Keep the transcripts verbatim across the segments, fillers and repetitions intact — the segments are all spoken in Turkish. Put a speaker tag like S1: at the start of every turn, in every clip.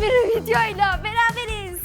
S1: bir videoyla beraberiz.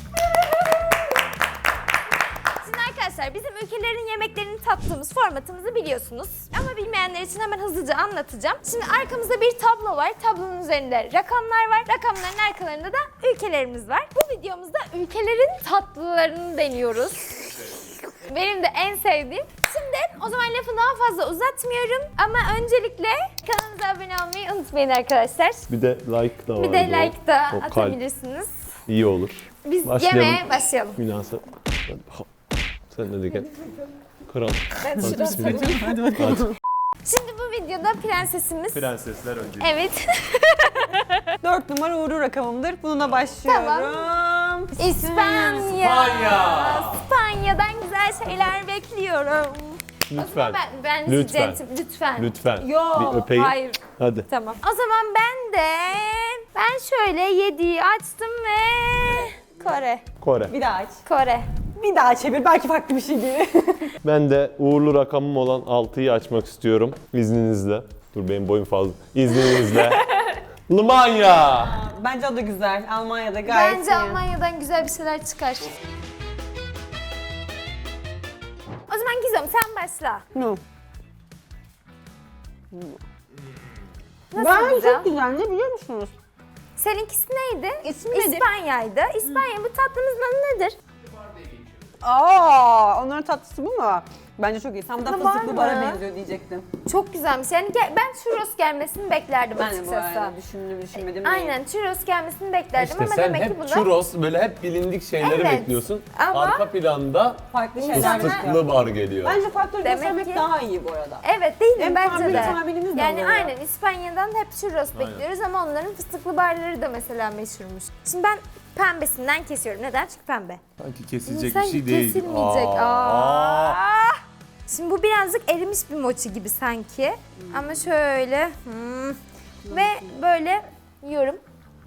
S1: Şimdi arkadaşlar bizim ülkelerin yemeklerini tattığımız formatımızı biliyorsunuz. Ama bilmeyenler için hemen hızlıca anlatacağım. Şimdi arkamızda bir tablo var. Tablonun üzerinde rakamlar var. Rakamların arkalarında da ülkelerimiz var. Bu videomuzda ülkelerin tatlılarını deniyoruz. Benim de en sevdiğim. Şimdi o zaman lafı daha fazla uzatmıyorum ama öncelikle kanalımıza abone olmayı unutmayın arkadaşlar.
S2: Bir de like da var.
S1: Bir de like da
S2: O kalp
S1: atabilirsiniz.
S2: İyi olur.
S1: Biz
S2: Başlayalım.
S1: yemeğe başlayalım.
S2: Münasip. Sen de gel. Kral.
S1: Ben
S2: Hadi
S1: şurası-
S2: bismillah.
S3: Hadi bakalım.
S1: Şimdi bu videoda prensesimiz.
S2: Prensesler önce.
S1: Evet.
S3: Dört numara uğurlu rakamımdır. Bununla başlıyorum.
S1: İspanya.
S2: İspanya.
S1: İspanya'dan güzel şeyler bekliyorum. O zaman
S2: Lütfen.
S1: ben, ben
S2: Lütfen.
S1: lütfen. Lütfen.
S2: Lütfen.
S1: Yo,
S2: Bir öpeyim.
S1: hayır.
S2: Hadi.
S1: Tamam. O zaman ben de ben şöyle yediği açtım ve Kore.
S2: Kore.
S3: Bir daha aç.
S1: Kore.
S3: Bir daha çevir. Belki farklı bir şey gelir.
S2: Ben de uğurlu rakamım olan altıyı açmak istiyorum. İzninizle. Dur benim boyum fazla. İzninizle. Limanya.
S3: Bence o da güzel. Almanya'da gayet
S1: Bence
S3: iyi.
S1: Almanya'dan güzel bir şeyler çıkar. O zaman Gizem sen başla.
S3: No.
S1: Nasıl
S3: Ben
S1: güzel?
S3: çok güzel. Ne biliyor musunuz?
S1: Seninkisi neydi?
S3: İsmi nedir?
S1: İspanya'ydı. İspanya bu tatlımızın adı nedir?
S3: Aa, onların tatlısı bu mu? Bence çok iyi. Tam da
S1: Tatlı var
S3: fıstıklı
S1: mı?
S3: bara benziyor diyecektim.
S1: Çok güzelmiş. Yani gel- ben churros gelmesini beklerdim
S3: Ben de bu
S1: açıkçası.
S3: arada düşündüm düşünmedim.
S1: Aynen churros gelmesini beklerdim
S2: İşte
S1: ama
S2: sen
S1: demek ki
S2: hep
S1: bunda
S2: churros böyle hep bilindik şeyleri
S1: Evet.
S2: bekliyorsun.
S1: Ama-
S2: Arka planda
S3: Farklı şeyler
S1: İnsanlar-
S3: bekliyorum.
S2: fıstıklı bar geliyor.
S3: Bence farklı
S1: Demek
S3: göstermek
S1: ki-
S3: daha iyi bu arada.
S1: evet değil mi?
S3: Hem
S1: Bence
S3: tahmin
S1: de.
S3: tahminimiz de
S1: Yani
S3: oluyor.
S1: aynen İspanya'dan hep churros bekliyoruz ama onların fıstıklı barları da mesela meşhurmuş. Şimdi ben pembesinden kesiyorum. Neden? Çünkü pembe.
S2: Sanki kesilecek
S1: Sanki
S2: bir şey değil.
S1: kesilmeyecek.
S2: Aa.
S1: Aa. Şimdi bu birazcık erimiş bir mochi gibi sanki. Ama şöyle hmm. ve böyle yiyorum.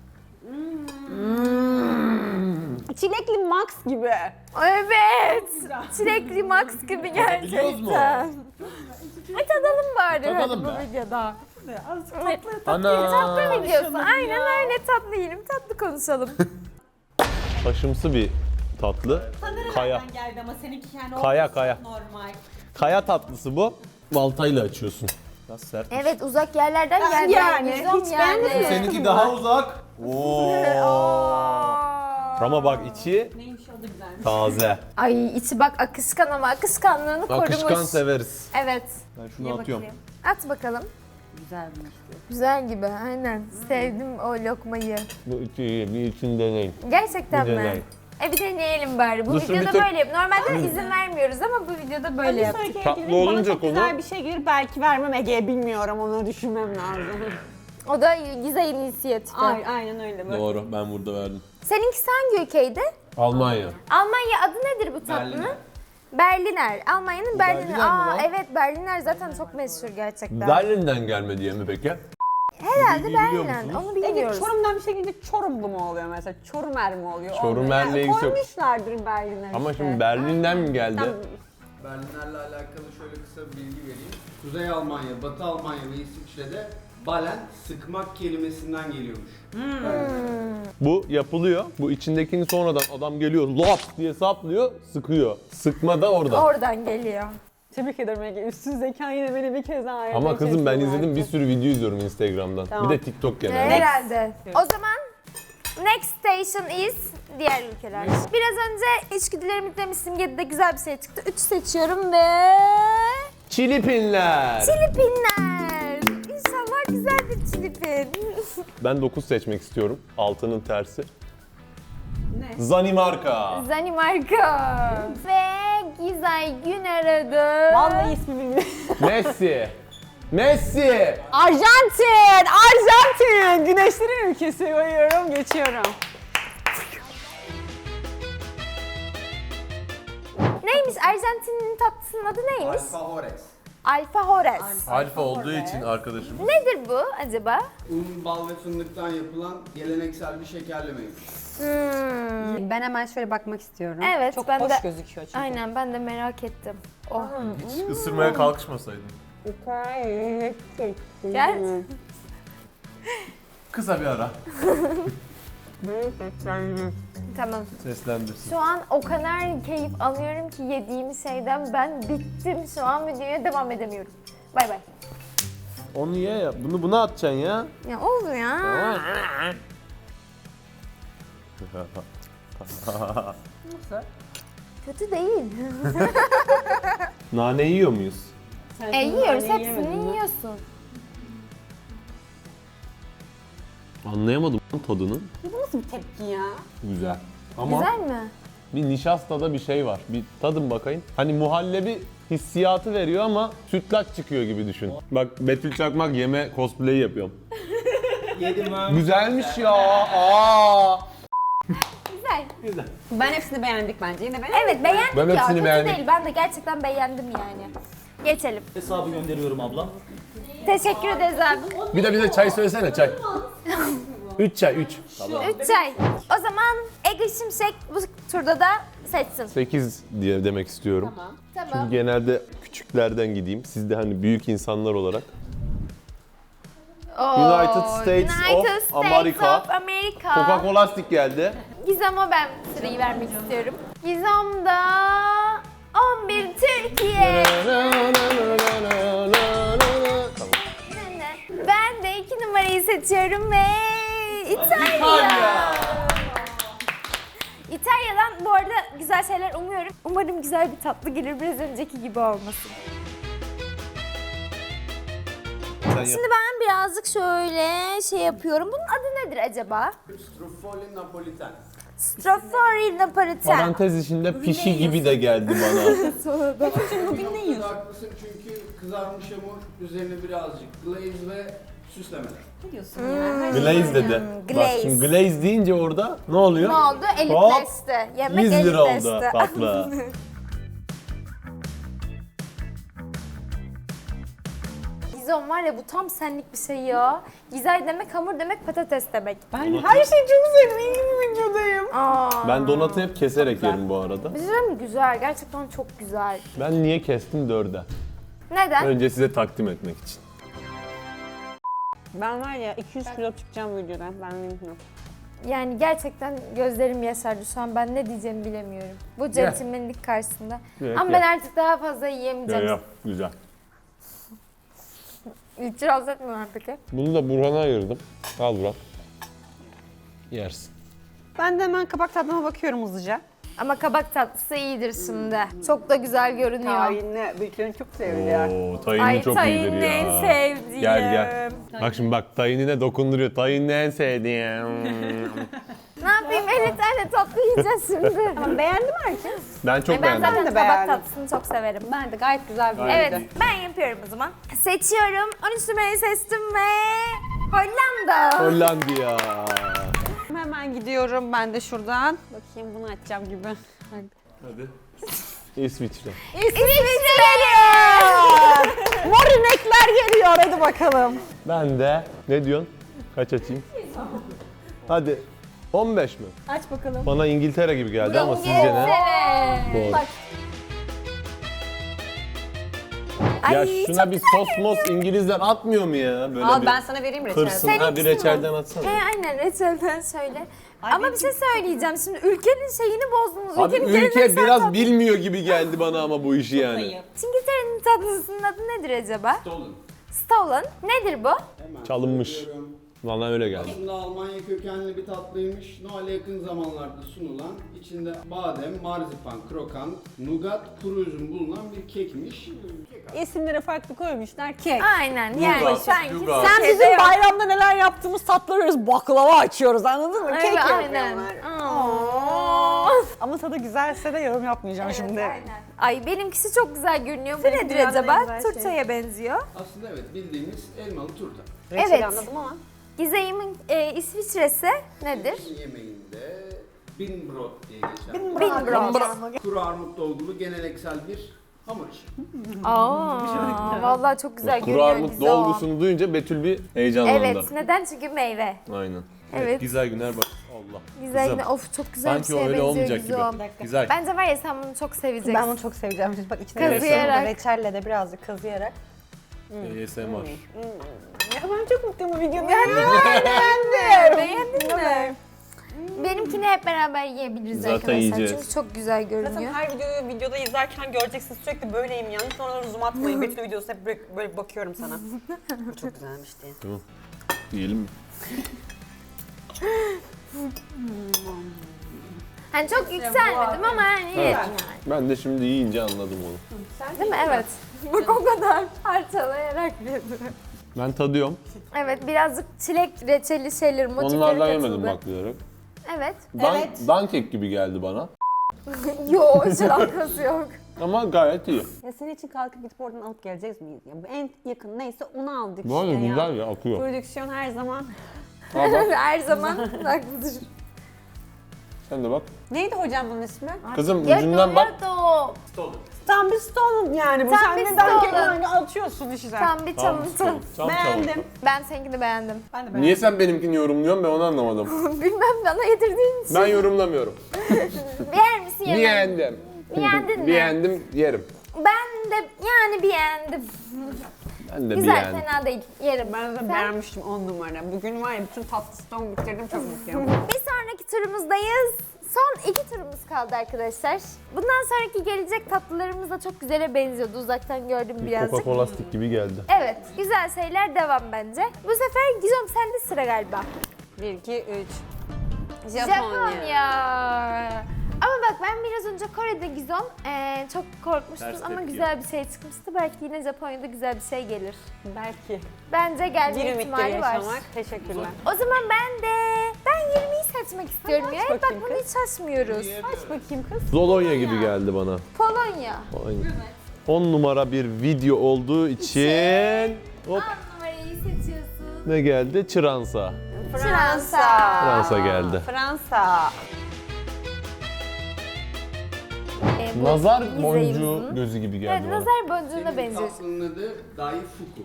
S3: Çilekli Max gibi.
S1: Evet. Çilekli Max gibi gerçekten. E tadalım bari
S2: Tadalım
S1: hadi
S2: be.
S1: bu videoda.
S2: Ana.
S1: Tatlı videosu. Aynen öyle tatlı yiyelim, tatlı konuşalım.
S2: Taşımsı bir tatlı. Kaya.
S3: geldi ama seninki yani
S2: Kaya kaya.
S3: normal.
S2: Kaya tatlısı bu. Baltayla açıyorsun. Biraz sert.
S1: Evet uzak yerlerden geldi.
S3: yani,
S1: Yüzüm
S3: hiç
S1: yani.
S3: beğendin mi?
S2: Seninki daha uzak. Oo. Ama bak içi
S3: Neymiş o da güzelmiş.
S2: taze.
S1: Ay içi bak akışkan ama akışkanlığını korumuş.
S2: Akışkan severiz.
S1: Evet.
S2: Ben şunu atıyorum.
S1: At bakalım.
S3: Güzelmiş.
S1: Güzel gibi aynen. Sevdim o lokmayı.
S2: Bu içi iyi. Bir için deneyin.
S1: Gerçekten
S2: Bir
S1: mi?
S2: deney.
S1: E bir deneyelim bari. Bu
S2: Dur, şu
S1: videoda
S2: bir tık-
S1: böyle yap. Normalde izin vermiyoruz ama bu videoda böyle yaptık.
S2: Tatlı olunca
S3: çok
S2: konu-
S3: güzel bir şey gelir belki vermem Ege'ye bilmiyorum onu düşünmem lazım.
S1: O da güzel inisiyatifi.
S3: Ay, aynen öyle böyle.
S2: Doğru. Ben burada verdim.
S1: Seninkisi hangi ülkeydi?
S2: Almanya.
S1: Almanya adı nedir bu tatlının? Berliner. Almanya'nın Berliner.
S2: Berliner mi
S1: Aa
S2: lan?
S1: evet Berliner zaten çok meşhur gerçekten.
S2: Berlin'den gelme diye mi peki?
S1: Herhalde
S2: Bilgiyi biliyor
S1: Berliner.
S2: musunuz?
S1: Onu
S3: Ege
S1: bilmiyoruz.
S3: Çorum'dan bir şey gelince Çorumlu mu oluyor mesela? Çorumer mi oluyor?
S2: Çorumer'le
S3: Olmuyor.
S2: ilgisi yok.
S3: Koymuşlardır Berliner
S2: Ama
S3: işte.
S2: şimdi Berlin'den mi geldi?
S3: Tam-
S4: Berliner'le alakalı şöyle kısa bir bilgi vereyim. Kuzey Almanya, Batı Almanya ve İsviçre'de balen sıkmak kelimesinden geliyormuş.
S2: Bu yapılıyor. Bu içindekini sonradan adam geliyor lop diye saplıyor, sıkıyor. Sıkma da orada.
S1: Oradan geliyor.
S3: Tebrik ederim Ege. Üstün zekan yine beni bir kez daha
S2: Ama kızım ben
S3: çekti
S2: izledim bir
S3: artık.
S2: sürü video izliyorum Instagram'dan.
S3: Tamam.
S2: Bir de TikTok genelde.
S1: Herhalde. O zaman next station is diğer ülkeler. Biraz önce içgüdülerimi demiştim. yedide güzel bir şey çıktı. üç seçiyorum ve
S2: Çilipinler.
S1: Filipinler. İnşallah güzel bir Filipin.
S2: Ben dokuz seçmek istiyorum. Altının tersi.
S3: Ne?
S2: Zanimarka.
S1: Danimarka. Ve Gizay gün aradı.
S3: Vallahi ismi bilmiyorum.
S2: Messi. Messi.
S3: Arjantin! Arjantin! Güneşlerin ülkesi koyuyorum, geçiyorum.
S1: Neymiş? Arjantin'in tatlısının adı neymiş?
S4: Alfajores.
S1: Alfajores.
S2: Alfa olduğu için arkadaşım.
S1: Nedir bu acaba?
S4: Un, bal ve fındıktan yapılan geleneksel bir şekerlemeymiş.
S1: Hmm.
S3: Ben hemen şöyle bakmak istiyorum.
S1: Evet,
S3: Çok
S1: ben
S3: hoş
S1: de-
S3: gözüküyor çünkü.
S1: Aynen ben de merak ettim. Oh.
S2: Hiç ısırmaya kalkışmasaydın.
S1: Gel.
S2: Kısa bir ara.
S1: Tamam.
S2: Seslendirsin.
S1: Şu an o kadar keyif alıyorum ki yediğim şeyden ben bittim. Şu an videoya devam edemiyorum. Bay bay.
S2: Onu ye ya. Bunu buna atacaksın ya.
S1: Ya oldu ya. Kötü değil.
S2: Nane yiyor muyuz?
S3: Sen
S1: E yiyoruz,
S3: naneyi yemedin
S1: hepsini
S3: mi?
S1: yiyorsun.
S2: Anlayamadım lan tadını.
S3: Bu nasıl bir tepki ya?
S2: Güzel. Ama
S1: Güzel mi?
S2: bir nişastada bir şey var. Bir tadın bakayım. Hani muhallebi hissiyatı veriyor ama sütlaç çıkıyor gibi düşün. Bak Betül Çakmak yeme cosplay yapıyorum.
S4: Yedim ha.
S2: Güzelmiş ya. Aa.
S1: Güzel.
S3: Ben hepsini beğendik bence. Yine beğendik.
S1: Evet beğendik
S2: Ben
S1: ya.
S2: hepsini
S1: Kötü
S2: beğendim.
S1: değil. Ben de gerçekten beğendim yani. Geçelim.
S5: Hesabı gönderiyorum ablam.
S1: Teşekkür ederiz abi.
S2: Bir de bize çay söylesene çay. Üç çay, üç.
S1: Üç çay. O zaman Ege Şimşek bu turda da seçsin.
S2: Sekiz diye demek istiyorum.
S3: Tamam.
S2: Çünkü
S1: Tamam.
S2: genelde küçüklerden gideyim. Siz de hani büyük insanlar olarak.
S1: Oo,
S2: United States
S1: United
S2: of America.
S1: of America.
S2: Coca-Cola stick geldi.
S1: Gizem'e ben sırayı vermek istiyorum. Gizem'da on bir Türkiye. Ben de iki numarayı seçiyorum ve İtalya. İtalya'dan bu arada güzel şeyler umuyorum. Umarım güzel bir tatlı gelir, biraz önceki gibi olmasın. Şimdi ben birazcık şöyle şey yapıyorum. Bunun adı nedir acaba?
S4: Struffoli Napolitan.
S1: Strofori Napolitan.
S2: Parantez içinde pişi gibi de geldi bana.
S3: Bugün ne yiyorsun?
S4: Haklısın çünkü kızarmış hamur üzerine birazcık glaze ve süslemeler.
S3: Ne diyorsun ya?
S2: Glaze dedi. Bak
S1: Glaze.
S2: şimdi glaze deyince orada ne oluyor?
S1: Ne oldu? Elitleşti. Yemek
S2: yüz lira oldu
S1: elitleşti.
S2: tatlı.
S1: Gizem var ya bu tam senlik bir şey ya. Gizay demek hamur demek patates demek.
S3: Ben her şeyi çok sevdim. İyi bir videodayım.
S1: Aa.
S2: Ben donatı hep keserek yerim bu arada.
S1: Güzel mi? Güzel. Gerçekten çok güzel.
S2: Ben niye kestim dörde?
S1: Neden?
S2: Önce size takdim etmek için.
S3: Ben var ya iki yüz kilo çıkacağım videodan. Ben bilmiyorum.
S1: Yani gerçekten gözlerim yaşardı şu an. Ben ne diyeceğimi bilemiyorum. Bu centilmenlik karşısında.
S2: Ye,
S1: Ama
S2: ye.
S1: ben artık daha fazla
S2: Ya
S1: yiyemeyeceğim.
S2: ya güzel.
S1: İtiraz etmiyorum peki.
S2: Bunu da Burhan'a ayırdım. Al Burak. Yersin.
S3: Ben de hemen kabak tadına bakıyorum hızlıca.
S1: Ama kabak tatlısı iyidir şimdi. Çok da güzel görünüyor.
S3: Tahinli. Büyüklerin çok seviliyor.
S2: Oo, tayini
S1: Ay
S2: çok
S1: tahinli
S2: iyidir ya.
S1: en sevdiğim.
S2: Gel gel. Bak şimdi bak tayinine dokunduruyor. Tayinli en sevdiğim.
S1: Ne yapayım? elli tane tatlı yiyeceğiz şimdi.
S3: Tamam beğendim herkes.
S2: Ben çok
S1: ben
S2: beğendim.
S1: zaten
S3: Ben de
S1: kabak
S3: beğendim.
S1: tatlısını çok severim.
S3: Ben de gayet güzel bir
S1: Evet,
S3: videoydu.
S1: ben yapıyorum o zaman. Seçiyorum. on üç numarayı seçtim ve Hollanda.
S2: Hollandiya.
S3: Hemen gidiyorum ben de şuradan. Bakayım bunu açacağım gibi.
S2: Hadi. İsviçre.
S1: İsviçre.
S3: Mor inekler geliyor hadi bakalım.
S2: Ben de ne diyorsun? Kaç açayım? Hadi. on beş mi?
S3: Aç bakalım.
S2: Bana İngiltere gibi geldi ama sizce ne?
S1: İngiltere.
S2: Doğru.
S1: Bak.
S2: Ya
S1: Ay,
S2: şuna
S1: çok
S2: bir sos mos İngilizler atmıyor mu ya? Böyle
S3: Al
S2: bir
S3: ben sana vereyim reçel.
S2: kırsın.
S1: Sen
S2: Ha bir
S1: ikisi mi?
S2: reçelden atsana.
S1: He aynen reçelden söyle.
S3: Ay,
S1: Ama
S3: benim
S1: bir şey söyleyeceğim. Şimdi ülkenin şeyini bozdunuz.
S2: Abi
S1: Ülkenin
S2: ülke
S1: geleneksel
S2: biraz
S1: tatlı-
S2: bilmiyor gibi geldi bana ama bu işi yani.
S1: İngiltere'nin tatlısının adı nedir acaba?
S4: Stolen.
S1: Stolen. Nedir bu?
S4: Hemen
S2: Çalınmış.
S4: söylüyorum.
S2: Bana öyle geldi.
S4: Aslında Almanya kökenli bir tatlıymış. Noel'e yakın zamanlarda sunulan, içinde badem, marzipan, krokan, nugat, kuru üzüm bulunan bir kekmiş. Kek
S3: İsimleri farklı koymuşlar kek.
S1: Aynen yani
S2: Nougat,
S1: sanki
S2: nougat.
S3: Sen
S1: şeyde
S3: bizim
S1: yok.
S3: bayramda neler yaptığımız tatları baklava açıyoruz anladın mı?
S1: Evet,
S3: Kek
S1: aynen.
S3: yapıyorlar.
S1: Aa.
S3: Ama tadı güzelse de yorum yapmayacağım şimdi.
S1: Aynen. Ay benimkisi çok güzel görünüyor. Bu
S3: Seninki
S1: nedir
S3: dünyanın en
S1: acaba?
S3: güzel şeyi.
S1: Turtaya benziyor.
S4: Aslında evet bildiğimiz elmalı turta.
S3: Reçeli
S1: Evet.
S3: anladım ama.
S1: Gizeyim'in e, İsviçre'si nedir?
S4: Bizim yemeğinde binbrot diye geçer.
S1: Binbrot.
S4: Kuru armut dolgulu geleneksel bir hamur işi.
S1: Aa, vallahi çok güzel
S2: Kuru
S1: görünüyor
S2: armut
S1: Gizo.
S2: dolgusunu duyunca Betül bir heyecanlandı.
S1: Evet, neden? Çünkü meyve.
S2: Aynen.
S1: Evet.
S2: Güzel günler bak. Allah.
S1: Güzel
S2: Kızım,
S1: yine. Of çok güzel
S2: Sanki
S1: bir
S2: o
S1: şeye
S2: öyle
S1: benziyor
S2: olmayacak
S1: Gizo.
S2: gibi. Güzel.
S1: Bence var ya sen bunu çok seveceksin.
S3: Ben bunu çok seveceğim. Şimdi bak içine
S1: Kazıyarak.
S3: reçelle, reçelle de birazcık kazıyarak.
S2: A S M R.
S3: Ya ben çok mutluyum bu videoda.
S1: Beğendin mi? Beğendin mi? benimkini hep beraber yiyebiliriz
S2: Zaten
S1: arkadaşlar.
S2: yiyeceğiz.
S1: Çünkü çok güzel
S3: Zaten
S1: görünüyor.
S3: her videoyu videoda izlerken göreceksiniz sürekli böyleyim yani. Sonra zoom atmayın. Betül videosu hep böyle, böyle bakıyorum sana. Bu çok güzelmiş diye.
S2: Tamam. Yiyelim mi?
S1: Hani çok yükselmedim ama hani
S2: Evet.
S1: yedim
S2: Ben de şimdi yiyince anladım onu.
S1: yani. Değil mi? Evet. Bak o kadar parçalayarak yedim.
S2: Ben tadıyorum.
S1: Evet birazcık çilek reçeli şeyler, motifleri
S2: Onlardan
S1: katıldı.
S2: yemedim bak diyerek.
S1: Evet.
S2: Dan,
S3: Evet.
S2: Dankek gibi geldi bana.
S1: Yok hiç alakası yok.
S2: Ama gayet iyi.
S3: Ya senin için kalkıp gidip oradan alıp geleceğiz miyiz? Ya bu en yakın neyse onu aldık
S2: Bu arada
S3: işte ya.
S2: güzel ya, akıyor.
S3: Prodüksiyon her zaman.
S2: Al bak,
S1: Her zaman haklıdır.
S2: sen de bak.
S3: Neydi hocam bunun ismi?
S2: Kızım ucundan bak.
S1: Yato.
S3: Tam bir stone yani bu.
S1: Tam
S3: Sen
S1: bir
S3: neden
S1: stone.
S3: yani atıyorsun işte.
S1: Tam bir
S2: Tamam,
S1: çalıntı.
S2: tam
S3: Beğendim.
S2: çalıntı.
S1: Ben seninkini beğendim.
S3: Ben de beğendim.
S2: Niye sen benimkini yorumluyorsun, ben onu anlamadım.
S1: Bilmem bana yedirdiğin için.
S2: Ben yorumlamıyorum.
S1: Beğer misin yemem?
S2: Beğendim.
S1: Beğendin mi?
S2: Beğendim, yerim.
S1: Ben de yani beğendim.
S2: Ben de
S1: Güzel,
S2: beğendim.
S1: fena değil. Yerim.
S3: Ben de
S1: Sen?
S3: beğenmiştim on numara. Bugün var ya bütün tatlı stone bitirdim çok mutluyum.
S1: Bir sonraki turumuzdayız. Son iki turumuz kaldı arkadaşlar. Bundan sonraki gelecek tatlılarımız da çok güzele benziyordu. Uzaktan gördüm birazcık.
S2: Coca-Cola stick gibi geldi.
S1: Evet, güzel şeyler devam bence. Bu sefer Gizem sende sıra galiba.
S3: bir, iki, üç.
S1: Japonya. Ama bak ben biraz önce Kore'de Gizem eee, çok korkmuştum
S2: Ters
S1: ama
S2: tepki
S1: güzel bir şey çıkmıştı. Belki yine Japonya'da güzel bir şey gelir.
S3: Belki.
S1: Bence gelme
S3: Bir ümitleri
S1: ihtimali var.
S3: yaşamak. Teşekkürler.
S1: O zaman ben de ben yirmiyi seçmek istiyorum
S3: Hadi
S1: ya.
S3: aç
S1: Bak
S3: bakayım
S1: bunu
S3: kız.
S1: hiç açmıyoruz.
S3: Aç bakayım kız.
S2: Zolonya gibi geldi bana.
S1: Polonya.
S2: Aynen. on numara bir video olduğu için hop
S1: on numarayı seçiyorsun.
S2: ne geldi? Çıransa.
S1: Fransa.
S2: Fransa geldi.
S3: Fransa.
S1: Ee, bu
S2: Nazar
S1: Gizem'in-
S2: boncuğu gözü gibi
S1: Evet,
S2: geldi bana.
S1: nazar boncuğuna
S4: Senin
S1: benziyor.
S4: tatlının adı Daifuku.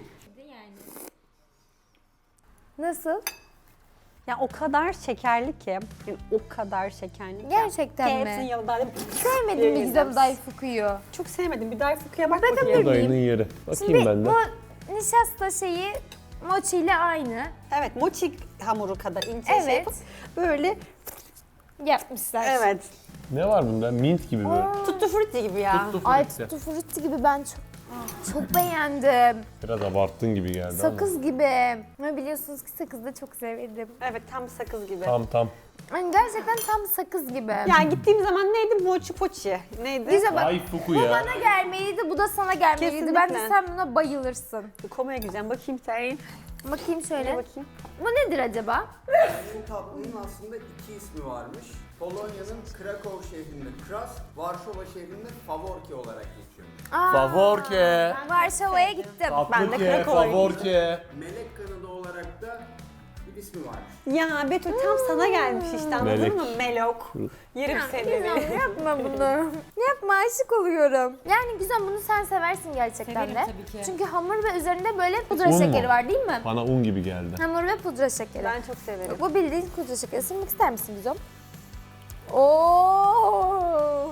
S1: Nasıl?
S3: Ya o kadar şekerli ki. Yani o kadar şekerli ki.
S1: Gerçekten
S3: Ki
S1: mi?
S3: hepsinin yanında böyle
S1: Sevmedim mi
S3: Yiyeceğiz.
S1: Gizem Daifuku'yu?
S3: çok sevmedim. Bir Daifuku'ya bak
S1: Bakın
S3: bakayım.
S1: bir-
S2: Dayının yeri. Bakayım
S1: Şimdi
S2: ben de.
S1: bu nişasta şeyi mochi ile aynı
S3: Evet, mochi hamuru kadar ince
S1: Evet.
S3: şey yapıp böyle
S1: yapmışlar.
S3: evet.
S2: Ne var bunda? Mint gibi böyle.
S3: Tutti frutti gibi ya.
S2: Tuttu
S1: Ay
S2: frutti.
S1: tutti frutti gibi ben çok çok beğendim.
S2: Biraz abarttın gibi geldi
S1: Sakız gibi. Ama biliyorsunuz ki sakızı da çok severim.
S3: Evet, tam sakız gibi.
S2: ama. Tam tam.
S1: Yani gerçekten tam sakız gibi.
S3: Yani gittiğim zaman neydi? Mochi pochi. Neydi?
S1: Güzel bak.
S2: Ay fuku
S1: Bu
S2: ya.
S1: bana gelmeliydi, bu da sana gelmeliydi.
S3: Kesinlikle.
S1: Bence sen buna bayılırsın.
S3: Komaya güzel. Bakayım sen.
S1: Bakayım şöyle.
S3: Bakayım.
S1: Bu nedir acaba?
S4: Bu tatlının aslında iki ismi varmış. Polonya'nın Krakow şehrinde Kras, Varşova şehrinde Favorki olarak geçiyormuş.
S1: Aa,
S2: Favorke.
S1: Varşova'ya gittim.
S3: Ben de
S2: Tatlıke,
S3: Krakow'a
S2: favorke.
S4: Melek kanadı olarak da bir ismi varmış.
S3: Ya Betül tam sana gelmiş işte anladın
S2: Melek.
S3: mı? Melok. Yerim seni.
S1: Güzel yapma bunu. Yapma aşık oluyorum. Yani güzel bunu sen seversin gerçekten
S3: Severim
S1: de.
S3: tabii ki.
S1: Çünkü hamur ve üzerinde böyle pudra
S2: Un mu?
S1: şekeri var değil mi?
S2: Bana un gibi geldi.
S1: Hamur ve pudra şekeri.
S3: Ben çok severim.
S1: Bu bildiğin pudra şekeri. Isırmak ister misin güzel? Oo.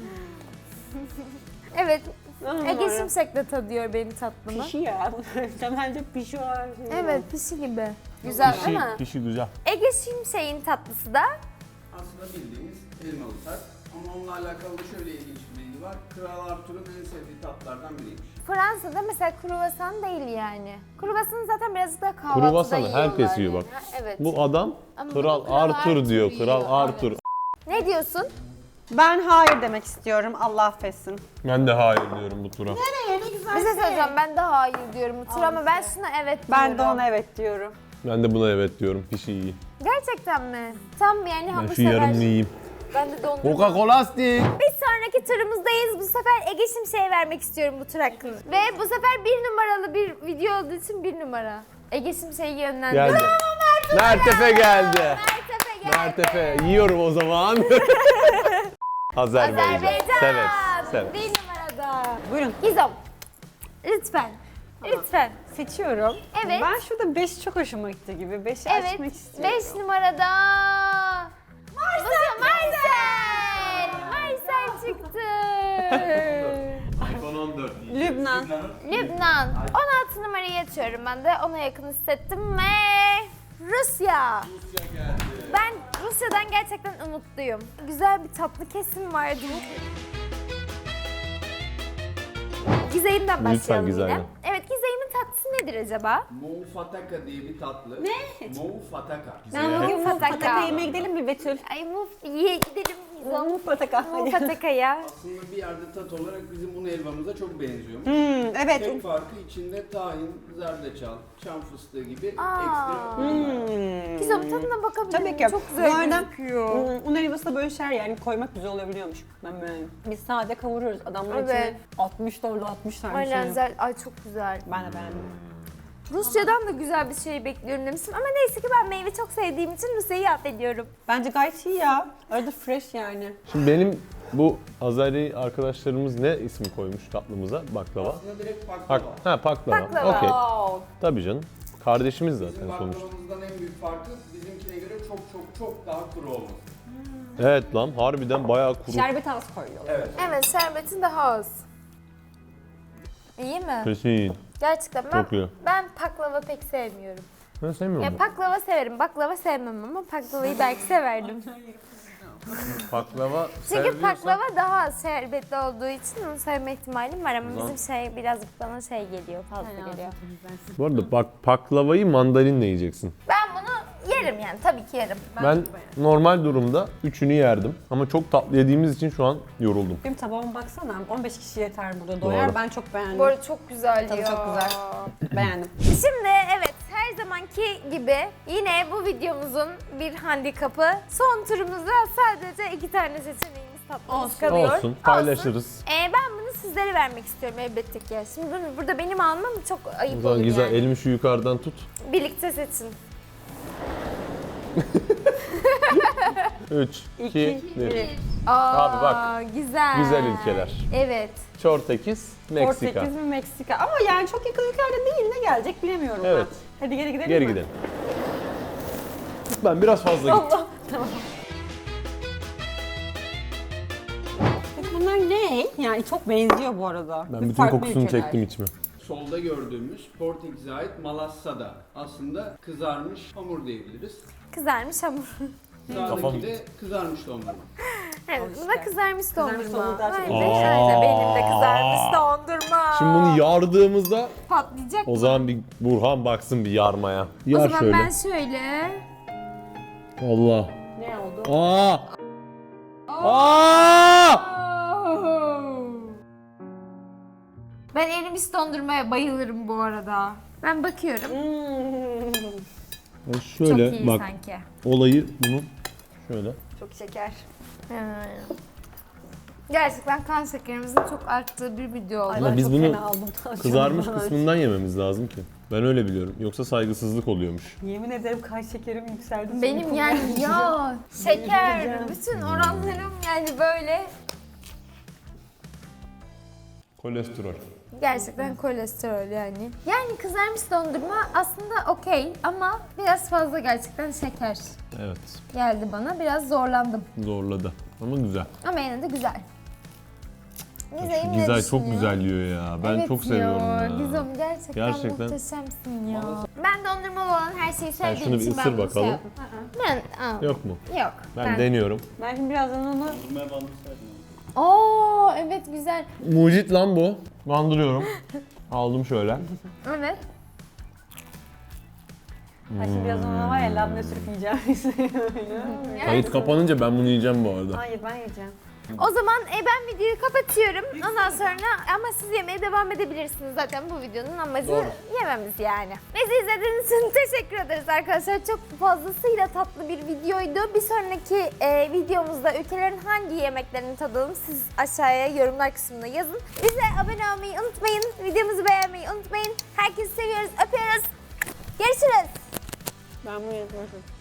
S1: Evet. Ege Şimşek de tadıyor benim tatlımı.
S3: Pişi ya. Sen bence pişi var.
S1: Evet pişi gibi. Güzel
S2: Pişi,
S1: değil mi?
S2: pişi güzel.
S1: Ege Şimşek'in tatlısı da
S4: Aslında bildiğimiz elmalı tat. Ama onunla alakalı da şöyle ilginç bir bilgi var. Kral Arthur'un en sevdiği tatlardan biriymiş.
S1: Fransa'da mesela kruvasan değil yani. Kruvasanı zaten birazcık daha kahvaltıda
S2: Kruvasanı
S1: yiyorlar.
S2: herkes yiyor bak.
S1: Ha, evet.
S2: Bu adam
S1: Ama
S2: Kral
S1: bu Kral
S2: Arthur
S1: Arthur
S2: diyor.
S1: yiyor,
S2: Kral
S1: evet.
S2: Arthur.
S1: Ne diyorsun?
S3: Ben hayır demek istiyorum. Allah affetsin.
S2: Ben de hayır diyorum bu tura.
S1: Bir şey söyleyeceğim ben de hayır diyorum bu tur ama ben şuna evet diyorum.
S3: Ben de ona evet diyorum.
S2: Ben de buna evet diyorum. Pişi iyi.
S1: Gerçekten mi? Tam yani
S2: Ben
S1: hamur
S2: şu yarımını
S1: sever.
S2: yiyeyim.
S1: Ben de dondurma.
S2: Coca-Cola stick.
S1: Bir sonraki turumuzdayız. Bu sefer Ege Şimşek'e vermek istiyorum bu tur hakkını. Ve bu sefer bir numaralı bir video olduğu için bir numara. Ege Şimşek'i yönlendirdim.
S2: Geldi. Mertefe geldi.
S1: Mertefe geldi.
S2: Mertefe. Yiyorum o zaman. Azerbaycan.
S1: Azerbaycan.
S2: Severiz. Severiz.
S1: Bir numarada.
S3: Buyurun.
S1: Gizem. Lütfen. Lütfen.
S3: Seçiyorum.
S1: Evet.
S3: Ben şurada beş çok hoşuma gitti gibi. beşi
S1: Evet.
S3: açmak istiyorum.
S1: beş numarada. Marcel. Marcel. Marcel çıktı.
S2: iPhone on dört.
S3: Lübnan.
S1: Lübnan. on altı numarayı açıyorum ben de. Ona yakın hissettim ve Rusya.
S2: Rusya geldi.
S1: Ben Rusya Rusya'dan gerçekten umutluyum. Güzel bir tatlı kesim vardı. Gizeyim'den
S2: Lütfen
S1: başlayalım
S2: Gizey'den.
S1: yine. Evet, Gizeyim'in tatlısı nedir acaba?
S4: Moufataka diye bir tatlı. Ne? Moufataka.
S3: Ben bugün
S1: Fataka.
S3: Fataka yemeğe gidelim mi Betül?
S1: Ay muf, ye gidelim.
S3: Fataka.
S1: Mufataka ya.
S4: Aslında bir yerde tat olarak bizim un helvamıza çok benziyor.
S3: Hmm, evet.
S4: Tek farkı içinde tahin, zerdeçal, çam fıstığı gibi
S1: Aa.
S4: ekstra ürün var.
S3: Hmm.
S1: Güzel, tadına bakabilir
S3: Tabii
S1: miyim?
S3: ki.
S1: Çok güzel
S3: Bu arada,
S1: gözüküyor.
S3: hmm, un helvasına böyle şeyler yani koymak güzel olabiliyormuş. Ben beğendim. Biz sade kavuruyoruz. Adamlar
S1: Evet.
S3: içine altmış dolar altmış tane
S1: Aynen,
S3: şey.
S1: güzel. Ay çok güzel.
S3: Ben de beğendim.
S1: Rusya'dan da güzel bir şey bekliyorum demiştim ama neyse ki ben meyve çok sevdiğim için Rusya'yı affediyorum.
S3: Bence gayet iyi ya. Arada fresh yani.
S2: Şimdi benim bu Azeri arkadaşlarımız ne ismi koymuş tatlımıza? Baklava.
S4: Aslında direkt
S2: Pak
S4: baklava.
S2: ha baklava.
S1: Baklava.
S2: Okey.
S3: Wow.
S2: Tabii canım. Kardeşimiz
S4: Bizim
S2: zaten sonuçta.
S4: baklavamızdan en büyük farkı bizimkine göre çok çok çok daha kuru olması.
S2: Evet lan harbiden bayağı kuru.
S3: Şerbet az koyuyorlar.
S4: Evet.
S1: Evet, şerbetin daha az. İyi mi?
S2: Kesin.
S1: Gerçekten ben,
S2: Çok iyi.
S1: ben baklava pek sevmiyorum.
S2: Ben sevmiyorum.
S1: Ya
S2: bunu.
S1: baklava severim, baklava sevmem ama baklavayı belki severdim.
S2: Baklava
S1: Çünkü
S2: seviyorsan-
S1: baklava daha az şerbetli olduğu için onu sevme ihtimalim var ama
S2: Ulan.
S1: bizim şey birazcık bana şey geliyor, fazla geliyor.
S2: Bu arada bak baklavayı mandalinle yiyeceksin.
S1: Ben bunu yerim yani, tabii ki yerim.
S2: Ben normal durumda üçünü yerdim ama çok tatlı yediğimiz için şu an yoruldum.
S3: Benim tabağıma baksana. on beş kişi yeter burada doyar.
S2: Doğru.
S3: Ben çok beğendim.
S1: Bu arada çok güzel
S3: Tadı
S1: ya.
S3: çok güzel. Beğendim.
S1: Şimdi evet, her zamanki gibi yine bu videomuzun bir handikapı. Son turumuzda sadece iki tane seçeneğimiz tatlımız
S3: Olsun.
S1: kalıyor.
S2: Olsun paylaşırız.
S1: Ee, ben bunu sizlere vermek istiyorum elbette ki. Şimdi bunu burada benim almam çok
S2: O
S1: ayıp
S2: zaman
S1: olur
S2: güzel
S1: yani.
S2: elimi şu yukarıdan tut.
S1: Birlikte seçin.
S2: üç, iki, bir.
S1: Aa,
S2: Abi bak,
S1: güzel.
S2: güzel ülkeler.
S1: Evet.
S2: Portekiz, Meksika.
S3: Portekiz mi Meksika? Ama yani çok yakın ülkelerde değil, ne gelecek bilemiyorum
S2: Evet.
S3: ben. Hadi geri gidelim
S2: Geri
S3: mi?
S2: gidelim. Ben biraz fazla gittim.
S3: Allah. Tamam. Peki bunlar ne? Yani çok benziyor bu arada.
S2: Ben
S3: Ve
S2: bütün
S3: farklı
S2: kokusunu
S3: ülkeler.
S2: çektim içime.
S4: Solda gördüğümüz Portekiz'e ait malassada. Aslında kızarmış hamur diyebiliriz.
S1: Kızarmış hamur.
S2: Kafam-
S4: Sağdaki de kızarmış dondurma.
S1: Evet,
S3: Al
S1: bu da
S3: işte.
S1: kızarmış
S3: Kızarmış
S1: dondurma.
S3: dondurma daha çok
S1: Aynen,
S2: iyi.
S1: aynen.
S2: Aa.
S1: Benim de kızarmış dondurma.
S2: Şimdi bunu yardığımızda
S1: patlayacak
S2: o
S1: mı?
S2: zaman bir Burhan baksın bir yarmaya.
S1: O
S2: Yar
S1: zaman
S2: şöyle.
S1: ben şöyle.
S2: Allah.
S3: Ne oldu?
S2: Aa! Aa!
S1: Ben erimiş dondurmaya bayılırım bu arada. Ben bakıyorum.
S3: Hmm.
S2: Ben
S1: Çok
S2: şöyle
S1: iyi
S2: bak
S1: sanki.
S2: olayı bunun şöyle.
S3: Çok şeker.
S1: Hmm. Gerçekten kan şekerimizin çok arttığı bir video oldu.
S3: Ay,
S2: Ama
S3: ben
S2: biz
S3: çok
S2: bunu
S3: fena aldım. Tansiyonum
S2: Kızarmış
S3: falan.
S2: kısmından yememiz lazım ki. Ben öyle biliyorum. Yoksa saygısızlık oluyormuş.
S3: Yemin ederim kan şekerim yükseldi.
S1: Benim
S3: Şimdi
S1: yani ya şeker,
S3: Yiyeceğim.
S1: bütün oranlarım yani böyle
S2: Kolesterol.
S1: gerçekten kolesterol yani. Yani kızarmış dondurma aslında okey ama biraz fazla gerçekten şeker
S2: Evet.
S1: geldi bana. Biraz zorlandım
S2: Zorladı. Ama güzel.
S1: ama yine de güzel.
S2: Şu
S1: Gizem ne
S2: Gizay çok
S1: düşünüyor?
S2: güzel yiyor ya. Ben
S1: Evet
S2: çok seviyorum ya.
S1: Gizem gerçekten,
S2: Gerçekten.
S1: muhteşemsin ya. Ben dondurmalı olan her şeyi
S2: Sen
S1: sevdiğim
S2: şunu bir
S1: için
S2: ısır
S1: ben bunu şey
S2: bakalım.
S1: yaptım. Ben aa,
S2: Yok mu?
S1: yok.
S2: Ben, deniyorum.
S3: Ben şimdi birazdan onu...
S1: Oo evet güzel.
S2: Mucit lan bu. Bandırıyorum. Aldım şöyle.
S1: Evet.
S3: Ben şimdi birazdan onu var ya labne sürüp yiyeceğim.
S2: Kayıt kapanınca ben bunu yiyeceğim bu arada.
S3: Hayır ben yiyeceğim.
S1: O zaman e, ben videoyu kapatıyorum. Ondan sonra ama siz yemeye devam edebilirsiniz. Zaten bu videonun amacı
S2: Doğru.
S1: yememiz yani. Bizi izlediğiniz için teşekkür ederiz arkadaşlar. Çok fazlasıyla tatlı bir videoydu. Bir sonraki e, videomuzda ülkelerin hangi yemeklerini tadalım siz aşağıya yorumlar kısmına yazın. Bize abone olmayı unutmayın. Videomuzu beğenmeyi unutmayın. Herkesi seviyoruz, öpüyoruz. Görüşürüz.
S3: Ben bunu yapıyorum.